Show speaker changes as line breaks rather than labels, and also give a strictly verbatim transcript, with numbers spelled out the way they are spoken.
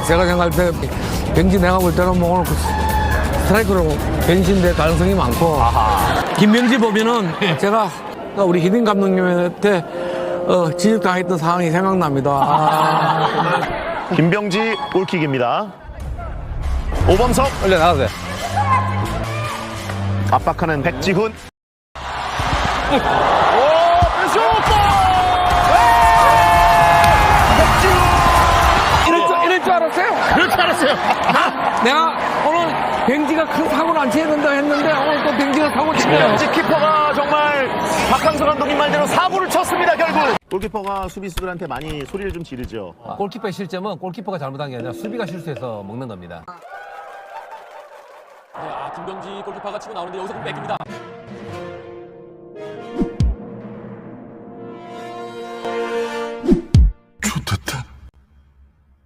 제가 생각할 때 벤지 내가 볼 때는 뭐 오늘 그 스트라이크로 변신될 가능성이 많고
아하.
김병지 보면은 제가 우리 히딩 감독님한테 어, 지적당했던 상황이 생각납니다. 아.
김병지 골킥입니다. 오범석
올려 나가세요.
압박하는 백지훈.
이럴 줄, 이럴 줄 알았어요?
그렇게 알았어요.
내가 오늘 뱅지가 큰 사고를 안 치는다 했는데 오늘 또 뱅지가 사고 치네요.
김병지 키퍼가 정말 박항서 감독님 말대로 사고를 쳤습니다. 결국 골키퍼가 수비수들한테 많이 소리를 좀 지르죠.
골키퍼의 실점은 골키퍼가 잘못한 게 아니라 수비가 실수해서 먹는 겁니다.
아, 김병지 골키퍼가 치고 나오는데 여기서 뺏깁니다.